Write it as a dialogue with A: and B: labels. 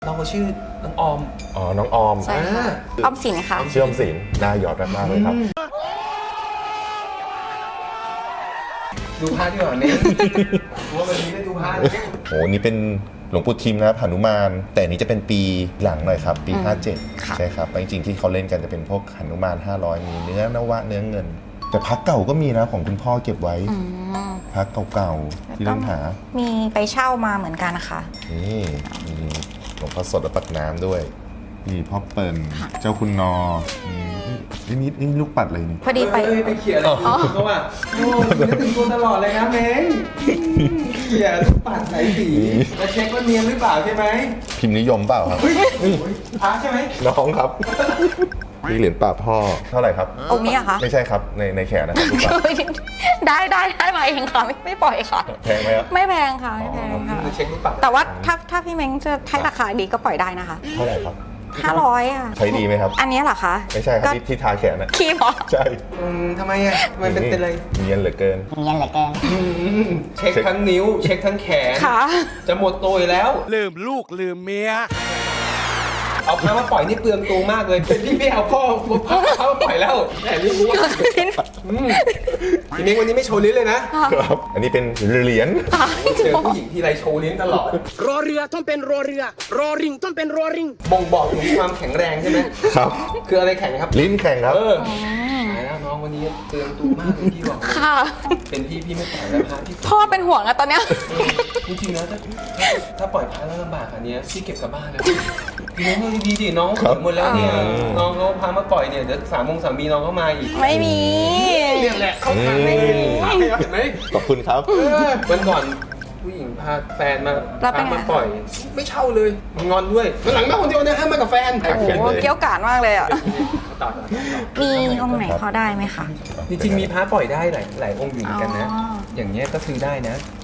A: น้องเขาชื่อน้องออม
B: อ๋อ น้องออม
C: ใช่ค่ะออมสินค่ะ
B: ชื่อออมสินน่าหยอดมากเลยครับ
A: ดูพระดีกว่าเนี่ยว่าวันนี้ได้ดูพระเนี่ย
B: โอ้นี่เป็นหลวงปู่ทิมนะครับหนุมาน แต่นี้จะเป็นปีหลังหน่อยครับ ปี
C: ค่ะ
B: 57 ใช่ครับ จริงๆที่เขาเล่นกันจะเป็นพวกหนุมาน 500 มีเนื้อนวะเนื้อเงิน แต่พักเก่าก็มีนะของคุณพ่อเก็บไว้
C: อืม
B: พักเก่าๆที่เล่นหา
C: มีไปเช่ามาเหมือนกันนะคะ
B: นี่มีหลวงพ่อสดและปักน้ำด้วยนี่พ่อเปิ่นเจ้าคุณนอนี่ลูกปัดอะไรนี่
C: พอดีไป
A: ไปเขียนอะไรเขาว่าโอ้นึกถึงตัวตลอดเลยนะเม้งเขียนปัดไหนสีจะเช็คว่าเนียนหรือเปล่าใช่ไหม
B: พิมพ์นิยมเปล่าครับ
A: พระใช่ไหม
B: น้องครับ นี่เหรียญป่าพ่อเท่าไหร่ครับ
C: องค์นี้อะคะ
B: ไม่ใช่ครับในแขนนะครับลูกปัด
C: ได้มาเองค่ะไม่ปล่อยค่ะ
B: แพงไหมครับ
C: ไม่แพงค่ะไม่แพงค่ะ
A: จะเช็คหรือเปล่า
C: แต่ว่าถ้าพี่เม้งจะให้ราคาดีก็ปล่อยได้นะคะ
B: เท่าไหร่ครับ
C: 500อ่ะ
B: ใช้ดีไหมครับ
C: อันนี้เหรอคะ
B: ไม่ใช่ครับ
C: ก็
B: ที่ทาแขนนะ
C: คีบเหรอ
B: ใช่
A: ทำไมอ่ะมันเป็นอะไร
B: เนียนเหลือเกิน
C: เนียนเหลือเกิน
A: เช็คทั้งนิ้ว เช็คทั้งแขน
C: ค่ะ
A: จะหมดตัวอยู่แล้ว
D: ลืมลูกลืมเมีย
A: เอาพระมาปล่อยนี่เปลืองตัวมากเลยเป็นพี่ไม่เอาพ่อพระมาปล่อยแล้วแต่นี่รู้ว่าทีนี้วันนี้ไม่โชว์ลิ้นเลยนะครับ
B: อันนี้เป็นเหรียญ
A: เจอผู้หญิงที่ไรโชว์ลิ้นตลอด
D: รอเรือต้องเป็นรอเรือ รอริงต้องเป็นรอริง
A: บ่งบอกถึงความแข็งแรงใช่ไหม
B: ครับ
A: คืออะไรแข็งครับ
B: ลิ้นแข็งครับ
A: ตายแล้วน้องวันนี้เตือนตัวมากเลยพี่บอก
C: ค่ะ
A: เป็นพี่ไม่ปล่อยแล้วพระที่
C: พ่อเป็นห่วงอะตอนเนี้ย
A: จริงๆนะถ้าปล่อยพระแล้วลำบากอันเนี้ยพี่เก็บกลับบ้านแล้วพี่น้องดีๆดิน้อง
B: ครับ
A: หมดแล้วเนี่ยน้องเขาพามาปล่อยเนี่ยเดี๋ยว3 โมงน้องเขามาอีก
C: ไม่มี
A: เนี่ยแหละเขาทำเลยเห็นไหม
B: ขอบคุณครับ
A: วันก่อนผู้หญิงพาแฟนมา
C: แล้วเป็นไง
A: มาปล่อย ไม่เช่าเลยมันงอนด้วยวันหลังมาคนเดียวนะห้ามมากับแฟน
B: โอ้
C: โอ้โหเกี้ยวกาดมากเลยอะ
A: ต่อ
C: มีองค์ไหนพอได้ไหมคะ
A: จริงๆมีพระปล่อยได้หลายองค์อยู่เหมือนกันนะ
C: อ๋อ
A: อย่างเงี้ยก็ซื้อได้นะ